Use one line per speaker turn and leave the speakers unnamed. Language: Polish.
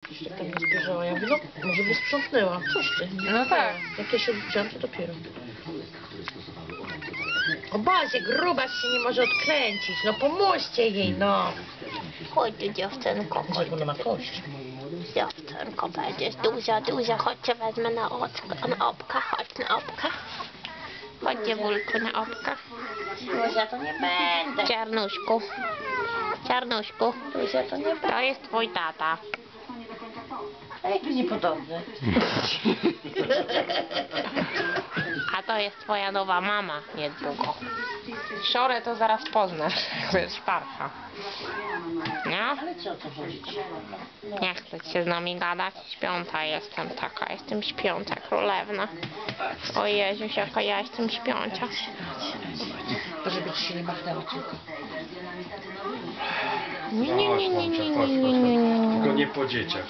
Już tak tam nie zbierzała. Ja mówię, no może by sprzątnęła. Coś ty.
No tak.
Jak ja się odwdziałam, to dopiero. O Boże, grubas się nie może odkręcić. No pomóżcie jej, no.
Chodź tu, dziewczynko, chodź.
Ona ma kość.
Dziewczynko, będziesz duża, chodźcie wezmę na opka, chodź na opka. Chodź, dziewulku, na opka.
Ja to nie będę.
Czarnuszku, Czarnuszku,
Ja to nie będę.
to jest twój tata.
A jaki niepodobny.
A to jest twoja nowa mama niedługo.
Szorę to zaraz poznasz. To jest szparcha.
No?
Ale co o co chodzi?
Nie chcę się z nami gadać. Śpiąca jestem taka. Jestem śpiąca królewna. O Jezus, jaka ja jestem śpiąca.
To żeby ci się nie machnęło tylko.
Nie.
Tylko nie po dzieciach.